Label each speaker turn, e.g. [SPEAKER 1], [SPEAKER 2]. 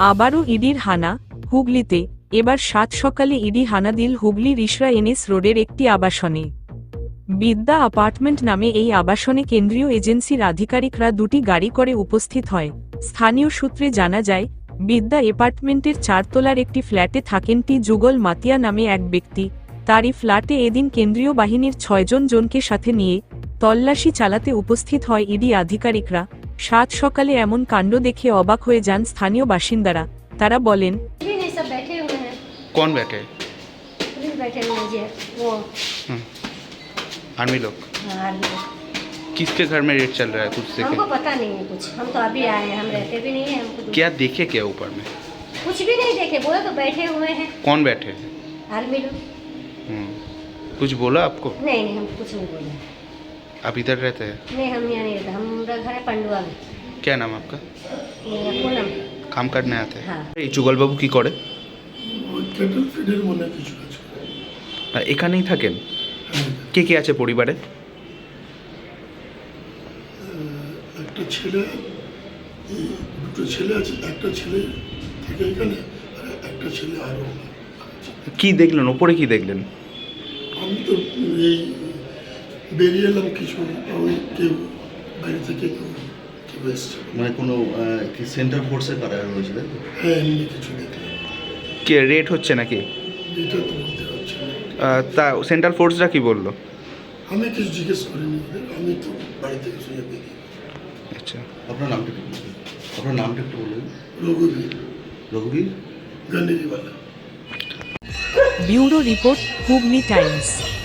[SPEAKER 1] আবারও ইডির হানা হুগলিতে। এবার ৭ সকালে ইডি হানা দিল হুগলির ইশরা এনএস রোডের একটি আবাসনে। বিদ্যা অ্যাপার্টমেন্ট নামে এই আবাসনে কেন্দ্রীয় এজেন্সির আধিকারিকরা দুটি গাড়ি করে উপস্থিত হয়। স্থানীয় সূত্রে জানা যায়, বিদ্যা অ্যাপার্টমেন্টের ৪ তলার একটি ফ্ল্যাটে থাকেন যুগল মাতিয়া নামে এক ব্যক্তি। তারই ফ্ল্যাটে এদিন কেন্দ্রীয় বাহিনীর ৬ জনকে সাথে নিয়ে তল্লাশি চালাতে উপস্থিত হয় ইডি আধিকারিকরা। ৭ সকালে এমন কাণ্ড দেখে অবাক হয়ে যান স্থানীয় বাসিন্দারা। তারা বলেন,
[SPEAKER 2] सब बैठे हुए हैं।
[SPEAKER 3] कौन बैठे?
[SPEAKER 2] पुलिस बैठे हुए हैं जी, वो
[SPEAKER 3] आर्मी लोग।
[SPEAKER 2] हाँ, आर्मी लोग।
[SPEAKER 3] किसके घर में रेड चल रहा है कुछ देखे?
[SPEAKER 2] हमको पता नहीं है कुछ, हम तो अभी आए हैं, हम रहते भी नहीं है। हमको
[SPEAKER 3] क्या देखे क्या ऊपर में?
[SPEAKER 2] कुछ भी नहीं देखे, बोले तो बैठे हुए हैं
[SPEAKER 3] कौन बैठे हैं?
[SPEAKER 2] आर्मी लोग।
[SPEAKER 3] कुछ बोला आपको?
[SPEAKER 2] नहीं नहीं, हमको कुछ नहीं बोला।
[SPEAKER 3] आप इधर रहते हैं?
[SPEAKER 2] नहीं, हम यहाँ नहीं रहते, हमारा घर है पंडुआ में।
[SPEAKER 3] क्या नाम आपका?
[SPEAKER 2] मेरा पूनम।
[SPEAKER 3] काम करने आते हैं?
[SPEAKER 2] হ্যাঁ।
[SPEAKER 3] এই যুগল বাবু কি করে?
[SPEAKER 4] ক্যাটল ফিডের মনে কিছু কাজ করে।
[SPEAKER 3] এখানেই থাকেন? কে কে আছে পরিবারে?
[SPEAKER 4] একটা ছেলে, দুটো ছেলে আছে, একটা ছেলে থাকে এখানে আর একটা ছেলে আরও আছে।
[SPEAKER 3] কি দেখলেন ওপরে, কি দেখলেন?
[SPEAKER 4] আমি তো এই বেরিয়ে এলাম, কিছু ওই কেউ বাইরে থেকে কেউ এসছে।
[SPEAKER 5] মানে কোনো কি সেন্ট্রাল ফোর্সের কারা রয়েছে তাই তো?
[SPEAKER 4] হ্যাঁ, এমনি কিছু দেখলাম।
[SPEAKER 3] কে রেড হচ্ছে নাকি?
[SPEAKER 4] এটা তো বলতে পারছি না।
[SPEAKER 3] তা সেন্ট্রাল ফোর্সরা কি বললো?
[SPEAKER 4] আমি কিছু জিজ্ঞেস করিনি ওদের, আমি তো বাড়ি থেকে শুনে বেরিয়ে।
[SPEAKER 3] আচ্ছা,
[SPEAKER 5] আপনার নামটা একটু বলুন। আপনার নামটা একটু বলুন।
[SPEAKER 4] রঘুবীর
[SPEAKER 5] রঘুবীর
[SPEAKER 4] গান্ধীবালা।
[SPEAKER 1] Bureau report, Hooghly Times.